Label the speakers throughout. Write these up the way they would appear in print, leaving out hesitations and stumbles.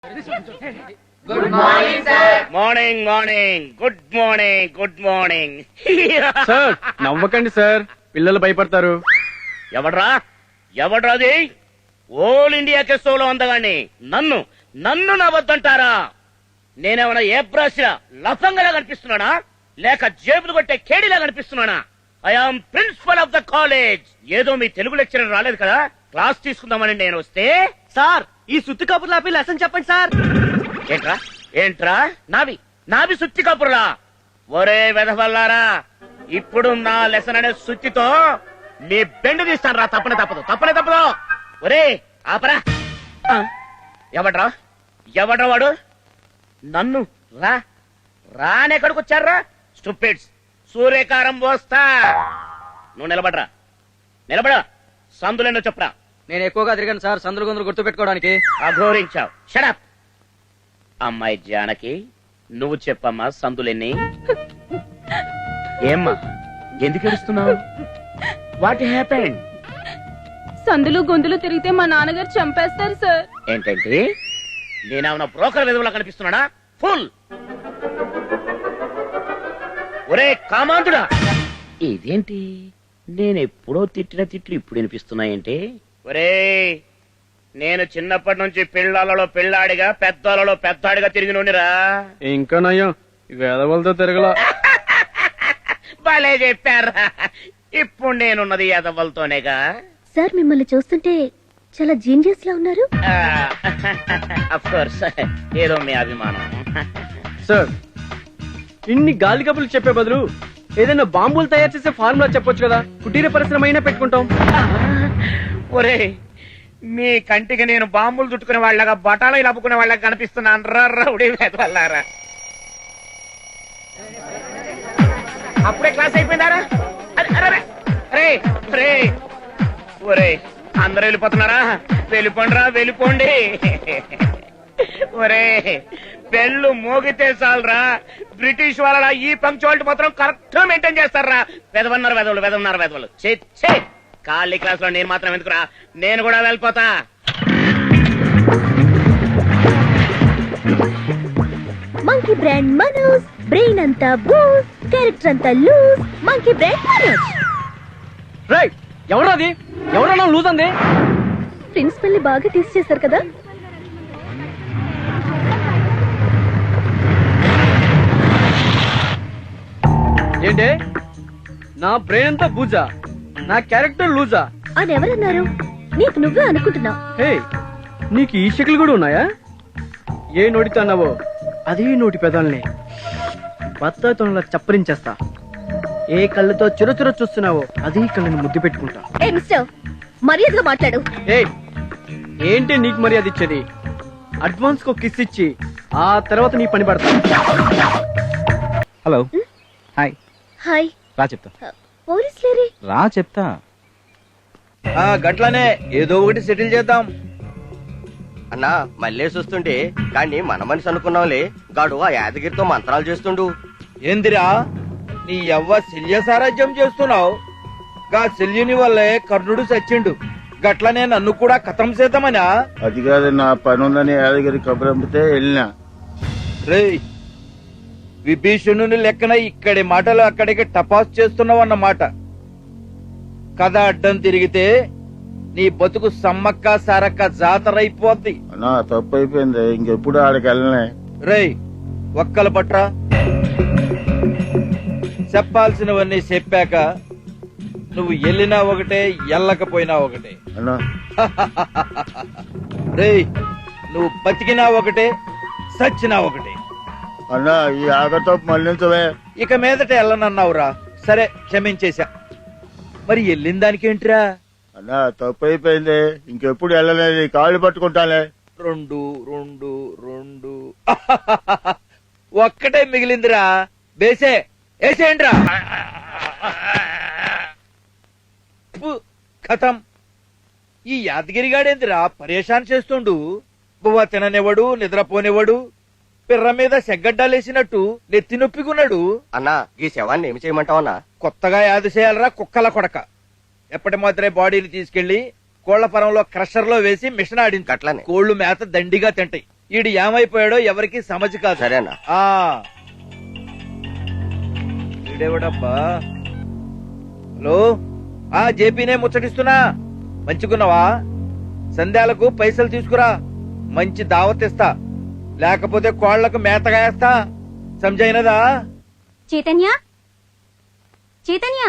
Speaker 1: Good morning sir.
Speaker 2: Morning morning good morning good morning.
Speaker 3: Sir నవ్వకండి sir, పిల్లలు భయపడతారు.
Speaker 2: ఎవడ్రాది? Whole India కెస్టోలో అందగాన్ని నన్ను నన్ను నవ్వద్దంటారా? నేనేమన్నా ఏ బ్రాష్ లఫంగలా కనిపిస్తున్నానా, లేక జేబులు కొట్టే కేడిలా కనిపిస్తున్నానా? I am principal of the college. ఏదో మీ తెలుగు లెక్చరర్ రాలేదు కదా క్లాస్ తీసుకుందామని నేను వస్తే.
Speaker 4: సార్ ఈ సుత్తి కబుర్లు ఆపి లెసన్ చెప్పండి సార్.
Speaker 2: ఏంట్రా నావి సుత్తి కబుర్లా? ఒరే వెధవల్లారా, ఇప్పుడు నా లెసన్ అనే సుత్తితో నీ బెండు తీస్తాను రా. తప్పనే తప్పదు. ఒరే ఆపరా. ఎవడ్రా వాడు? నన్ను రానెక్కడికి వచ్చారా స్టూపిడ్స్? సూర్యకారం పోస్తా. నువ్వు నిలబడా. సందులేనో చెప్పరా.
Speaker 4: నేను ఎక్కువగా తిరిగాను సార్ సందులు గొంతులు గుర్తు పెట్టుకోవడానికి.
Speaker 2: అఘోరించావు. షడప్. అమ్మాయి జానకి, నువ్వు చెప్పమ్మా సందులెన్ని? ఏమ్మా ఎందుకు ఏడుస్తున్నావు? What happened?
Speaker 5: సందులు గొంతులు తిరిగితే మా నాన్నగారు చంపేస్తారు సార్.
Speaker 2: ఏంటంటే నేనేమన్నా బ్రోకర్ విధవులా కనిపిస్తున్నానా? ఫుల్. ఒరే కామాంతుడా, ఇదేంటి నేనెప్పుడో తిట్టిన తిట్లు ఇప్పుడు వినిపిస్తున్నాయంటే? ఒరే, నేను చిన్నప్పటి నుంచి పిల్లలలో పిల్లాడిగా పెద్దలలో పెద్దాడిగా తిరిగి నూనిరా.
Speaker 3: ఇంకా నయ్యం వేదవలతో తిరగలా.
Speaker 2: భలే చెప్పారా. ఇప్పుడు నేనున్నది ఎదవలతోనేగా.
Speaker 6: సార్ మిమ్మల్ని చూస్తుంటే చాలా జీనియస్ లా ఉన్నారు.
Speaker 2: అఫ్ కోర్స్, ఏదో మీ అభిమానం.
Speaker 3: సార్ ఇన్ని గాలి కబుర్లు చెప్పే బదులు ఏదైనా బాంబులు తయారు చేసే ఫార్ములా చెప్పొచ్చు కదా, కుటీర పరిశ్రమ అయినా పెట్టుకుంటాం.
Speaker 2: ఒరే, మీ కంటికి నేను బాంబులు చుట్టుకునే వాళ్ళగా బటాలు లప్పుకునే వాళ్ళగా కనిపిస్తున్నాను రౌడీ వెధవల్లారా. అప్పుడే క్లాస్ అయిపోయిందారా? ఒరే అందరూ వెళ్ళిపోతున్నారా? వెళ్ళిపోండి. ఒరే, బెల్లు మోగితే చాలరా, బ్రిటిష్ వాళ్ళ ఈ పంక్చువాలిటీ మాత్రం కరెక్ట్ మెయింటైన్ చేస్తారా. వెదవన్నారు. చే ఖాళీ క్లాస్ లో నేను మాత్రం ఎందుకురా, నేను కూడా వెళ్ళిపోతా.
Speaker 6: మంకీ బ్రాండ్ మనోజ్, బ్రెయిన్ అంతా బూస్, క్యారెక్టర్ అంతా loose. Monkey brand Manoj.
Speaker 3: Right. ఎవరన్నా లూజ్ అంది?
Speaker 6: ప్రిన్సిపల్ ని బాగా టెస్ట్ చేశారు కదా.
Speaker 3: ఏంటే నా బ్రెయిన్ అంతా బూజా, నా క్యారెక్టర్ లూజా
Speaker 6: అని ఎవరన్నారు? నీకు నువ్వే అనుకుంటున్నావు.
Speaker 3: హే, నీకు ఈ షకిల్ కూడా ఉన్నాయా? ఏ నోటితో అన్నావో అదే నోటి పెదాలని బత్తాతోనలా చప్పరించేస్తా. ఏ కళ్ళతో చురచుర చూస్తున్నావో అదే కళ్ళని ముద్దు పెట్టుకుంటా.
Speaker 6: ఏ మిస్టర్, మర్యాదగా మాట్లాడు.
Speaker 3: ఏంటి నీకు మర్యాద ఇచ్చేది? అడ్వాన్స్ కో కిస్ ఇచ్చి ఆ తర్వాత నీ పని పడతా.
Speaker 7: హలో. హాయ్.
Speaker 6: హాయ్.
Speaker 7: రా చెప్తా.
Speaker 6: పోలీసులేరి?
Speaker 7: రా చెప్తా.
Speaker 4: గట్లనే ఏదో ఒకటి సెటిల్ చేద్దాం
Speaker 1: అన్నా. మళ్ళీ చూస్తుంటే కానీ మన మనిషి అనుకున్నాంలే, గాడు ఆ యాదగిరితో మంత్రాలు చేస్తుండు.
Speaker 4: ఏందిరా నీ యవ్వ శల్య సారాజ్యం చేస్తున్నావు? గా శల్యుని వల్లే కర్ణుడు చచ్చిండు, గట్లనే నన్ను కూడా కథం చేద్దామనా?
Speaker 8: అది కాదు, నా పని ఉందని యాదగిరి కబురంపితే వెళ్ళినా.
Speaker 4: రే, విభీషణుని లెక్కన ఇక్కడి మాటలు అక్కడికి టపాస్ చేస్తున్నావు అన్నమాట. కథ అడ్డం తిరిగితే నీ బతుకు సమ్మక్క సారక్క జాతరైపోద్ది.
Speaker 8: నా తప్పు అయిపోయింది, ఇంకెప్పుడు ఆడికి వెళ్ళనే.
Speaker 4: రేయ్, ఒక్కల పట్రా. చెప్పాల్సినవన్నీ చెప్పాక నువ్వు వెళ్ళినా ఒకటే, ఎల్లకపోయినా ఒకటే.
Speaker 8: అన్నా
Speaker 4: రేయ్, నువ్వు బతికినా ఒకటే, సచ్చినా ఒకటే.
Speaker 8: అన్నా ఈ ఆగతో మళ్ళించవే.
Speaker 4: ఇక మీదట వెళ్ళనన్నావురా, సరే క్షమించేశా. మరి వెళ్ళిన దానికేంట్రా?
Speaker 8: అన్నా తప్పు అయిపోయింది, ఇంకెప్పుడు వెళ్ళలేదు, కాళ్ళు పట్టుకుంటానే.
Speaker 4: రెండు ఒక్కటే మిగిలిందిరా. బేసే వేసేయండిరా. కథం. ఈ యాదగిరిగాడేందిరా పరేషాన్ చేస్తుండు? బువ్వ తిననివ్వడు, నిద్రపోనివ్వడు, పిర్ర మీద సెగ్గడ్డాలేసినట్టు నెత్తి నొప్పికున్నాడు.
Speaker 1: అన్నా, ఈ శవాన్ని ఏమి చేయమంటావన్నా?
Speaker 4: కొత్తగా యాద చేయాలరా కుక్కల కొడక. ఎప్పటి మాత్రమే బాడీని తీసుకెళ్లి కోళ్ల పొరంలో క్రషర్ లో వేసి మిషన్ ఆడింది.
Speaker 1: అట్లనే
Speaker 4: కోళ్లు మేత దండిగా తింటాయి. ఈడు ఏమైపోయాడో ఎవరికి సమజ్ కాదు.
Speaker 1: సరేనా
Speaker 4: ఆ ఈడెవడబ్బా? హలో, జేపీనే ముచ్చటిస్తున్నా. మంచిగున్నావా? సంధ్యాలకు పైసలు తీసుకురా, మంచి దావత్ ఇస్తా, లేకపోతే కోళ్లకు మేతగా వేస్తా. సంజైనదా?
Speaker 6: చైతన్య, చైతన్య,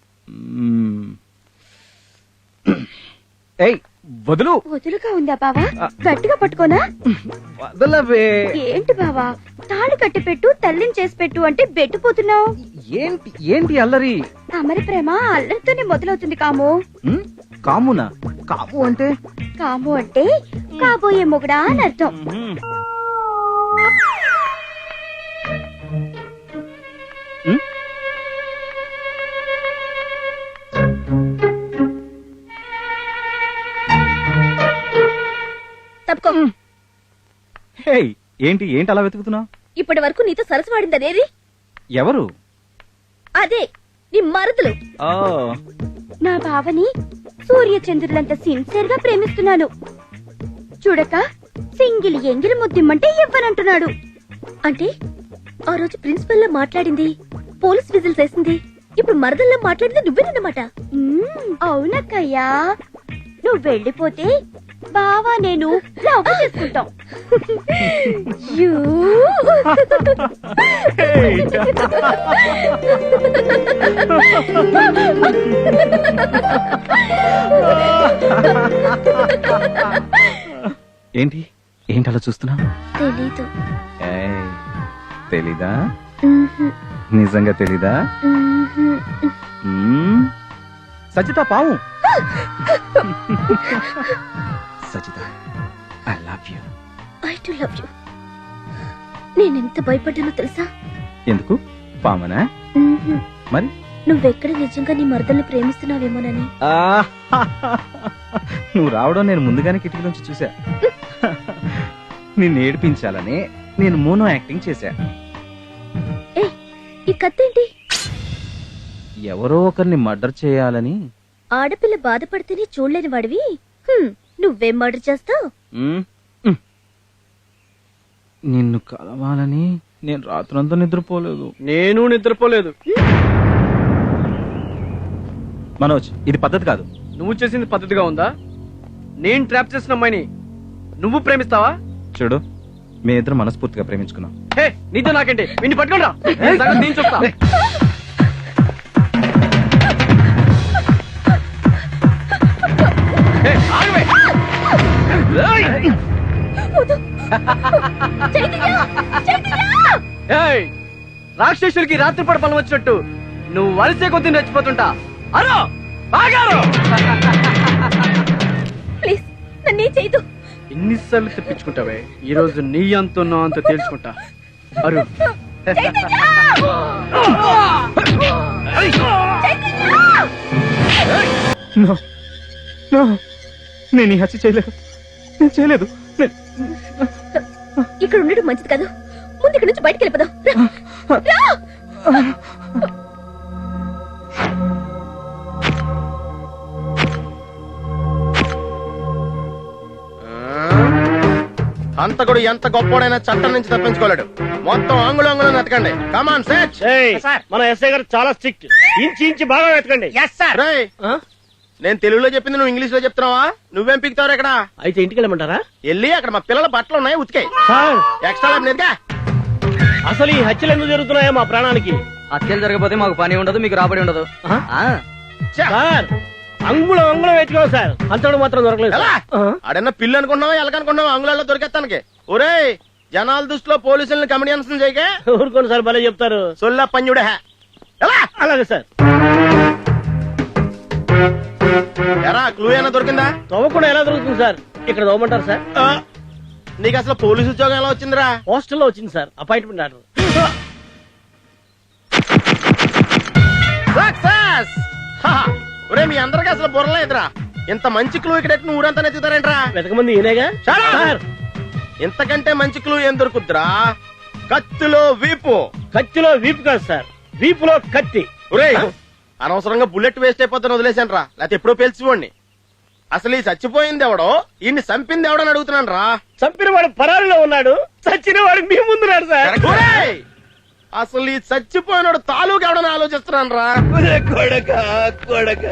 Speaker 7: ఏయ్ వదులు.
Speaker 6: వదులుగా ఉందా బావా? గట్టిగా పట్టుకోనా?
Speaker 7: వదలవే.
Speaker 6: ఏంటి బావా, తాళి కట్టి పెట్టు, తల్లిని చేసి పెట్టు అంటే బెట్టుపోతున్నావు.
Speaker 7: ఏంటి ఏంటి అల్లరి?
Speaker 6: అమరి ప్రేమ అల్లరితోనే మొదలవుతుంది కాము.
Speaker 7: కామునా? కాము అంటే?
Speaker 6: కాము అంటే కాబోయే మొగుడా అని అర్థం. తప్పుకో.
Speaker 7: హే, ఏంటి ఏంటి అలా వెతుకుతున్నావు?
Speaker 6: ఇప్పటి వరకు నీతో సరసు వాడిందనేది
Speaker 7: ఎవరు?
Speaker 6: అదే నీ మరుదులు.
Speaker 7: ఓ,
Speaker 6: నా బావని సూర్య చంద్రులంత సిన్సియర్ గా ప్రేమిస్తున్నాను. చూడక సింగిల్ ఎంగిలి ముద్దిమ్మంటే ఇవ్వనంటున్నాడు. అంటే ఆ రోజు ప్రిన్సిపల్ లో మాట్లాడింది, పోలీస్ విజిల్స్ వేసింది, ఇప్పుడు మరదల్లో మాట్లాడింది నువ్వేనన్నమాట. అవునక్కయ్యా, నువ్వు వెళ్ళిపోతే బావా నేను లవ్ చేసుకుంటాం. యూ.
Speaker 7: ఏంటి ఏంటి అలా చూస్తున్నా?
Speaker 6: తెలీదు.
Speaker 7: తెలీదా? నిజంగా తెలీదా? సజిత పావు. Sajitha, I love you.
Speaker 6: I too love you. నేనెంత భయపడ్డానో తెలుసా?
Speaker 7: ఎందుకు? పామనా? మరి
Speaker 6: నువ్వెక్కడ నిజంగా నీ మరదల్ని ప్రేమిస్తున్నావేమోనని.
Speaker 7: నువ్వు రావడం నేను ముందుగానే కిటికీలోంచి చూసా. నిన్ను ఏడిపించాలని నేను మోనో యాక్టింగ్ చేశా.
Speaker 6: ఏ, ఈ కత్తేంటి?
Speaker 7: ఎవరో ఒకరిని మర్డర్ చేయాలని.
Speaker 6: ఆడపిల్ల బాధపడితేనే చూడలేని వాడివి నువ్వేం మర్డర్ చేస్తావు?
Speaker 7: నిన్ను కలవాలని నేను రాత్రంతా నిద్రపోలేదు.
Speaker 3: నేను నిద్రపోలేదు.
Speaker 7: మనోజ్, ఇది పద్ధతి కాదు.
Speaker 3: నువ్వు చేసింది పద్ధతిగా ఉందా? నేను ట్రాప్ చేసిన అమ్మాయిని నువ్వు ప్రేమిస్తావా?
Speaker 7: చూడు, మీ ఇద్దరు మనస్ఫూర్తిగా ప్రేమించుకున్నాం.
Speaker 3: హే, నీతో నాకేంటి? విన్ని పట్టుకోండి రా. నేను చెప్తా. రాక్షసుడికి రాత్రిపూట బలం వచ్చినట్టు నువ్వు వలసే కొద్ది నచ్చిపోతుంటా. అరో బాగారు.
Speaker 6: ప్లీజ్ నన్నే చేయదు.
Speaker 3: ఎన్నిసార్లు తెప్పించుకుంటావే? ఈ రోజు నీ అంత నా అంత తేల్చుకుంటా. అరు
Speaker 7: నేను ఈ హత్య చేయలేదు. నేను చేయలేదు.
Speaker 6: ఇక్కడ ఉండడం మంచిది కాదు. ముందు ఇక్కడ నుంచి బయటికి వెళ్ళిపోదాం.
Speaker 1: హంతకుడు ఎంత గొప్పోడైనా చట్టం నుంచి తప్పించుకోలేడు. మొత్తం అంగుళంగుళం వెతకండి. Come on search.
Speaker 2: మన ఎస్ఐ గారు చాలా స్ట్రిక్ట్. ఇంచి బాగా వెతకండి.
Speaker 1: రేయ్, నేను తెలుగులో చెప్పింది నువ్వు ఇంగ్లీష్ లో చెప్తున్నావా? నువ్వేం పిక్తావు ఇక్కడ?
Speaker 2: అయితే ఇంటికి వెళ్ళమంటారా?
Speaker 1: వెళ్ళి అక్కడ మా పిల్లల బట్టలు ఉన్నాయి, ఉతికాయి.
Speaker 2: సార్,
Speaker 1: ఎక్స్ట్రా ల్యాబ్ నేర్గా.
Speaker 2: అసలు ఈ హత్యలు ఎందుకు జరుగుతున్నాయో మా ప్రాణానికి.
Speaker 3: హత్యలు జరగకపోతే మాకు పని ఉండదు, మీకు రాబడి ఉండదు.
Speaker 2: సార్, అంగుళం వెతుకావు సార్, అంతడు మాత్రం దొరకలేదు.
Speaker 1: ఎలా? ఆడన్నా పిల్లు అనుకున్నావా, ఎలకనుకున్నావా? అంగుళాల్లో దొరికేస్తానికి. ఒరేయ్, జనాల దృష్టిలో పోలీసుల్ని కమిడియన్స్ చేయగా.
Speaker 2: ఊరుకోండి సార్, భలే చెప్తారు.
Speaker 1: సొల్లా పంజుడే. ఎలా?
Speaker 2: అలాగే సార్.
Speaker 1: ఎరా, క్లూ ఏమైనా దొరికిందా?
Speaker 2: తవ్వకుండా ఎలా దొరుకుతుంది సార్? ఇక్కడ తవ్వమంటారు సార్?
Speaker 1: నీకు అసలు పోలీసు ఉద్యోగం ఎలా వచ్చిందిరా?
Speaker 2: హాస్టల్లో వచ్చింది సార్, అపాయింట్మెంట్ ఆర్డర్.
Speaker 1: సక్సెస్! ఒరే, మీ అందరికి అసలు బుర్రలేదురా. ఇంత మంచి క్లూ ఇక్కడ నువ్వు ఊరంతా నెత్తుతారేంట్రా?
Speaker 2: వెతకమంది ఈయనేగా సార్.
Speaker 1: ఇంతకంటే మంచి క్లూ ఏం దొరుకుద్రా? కత్తిలో వీపు.
Speaker 2: కత్తిలో వీపు కాదు సార్, వీపులో కత్తి.
Speaker 1: ఒరే, అనవసరంగా బుల్లెట్ వేస్ట్ అయిపోతాను వదిలేశాను రా, లేకపోతే ఎప్పుడో పేల్చిపోండి.
Speaker 9: అసలు ఈ చచ్చిపోయింది ఎవడో ఈయన్ని చంపింది ఎవడని అడుగుతున్నాను రా.
Speaker 2: చంపిన వాడు పరారిలో ఉన్నాడు, చచ్చిన వాడు మీ ముందున్నాడు సార్.
Speaker 9: ఒరేయ్! అసలు ఈ చచ్చిపోయినాడు తాలూకు ఎవడని ఆలోచిస్తున్నాను రా.
Speaker 4: కొడక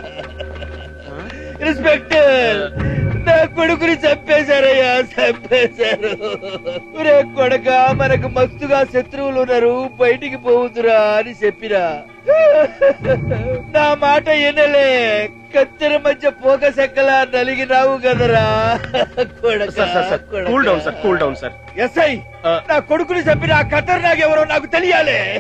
Speaker 4: ఇన్స్పెక్టర్, నా కొడుకుని చంపేశారయ్యా, చంపేశారు. ఒరే కొడక, మనకు మస్తుగా శత్రువులు ఉన్నారు, బయటికి పోవుతురా అని చెప్పిరా. నా మాట ఎనలే, కత్తెర మధ్య పోక సెక్కలా నలిగినావు కదరా కొడక.
Speaker 9: Cool down sir, cool down sir.
Speaker 4: SI, నా కొడుకుని చంపిన ఆ ఖతర్నాక్ ఎవరో నాకు తెలియాలి.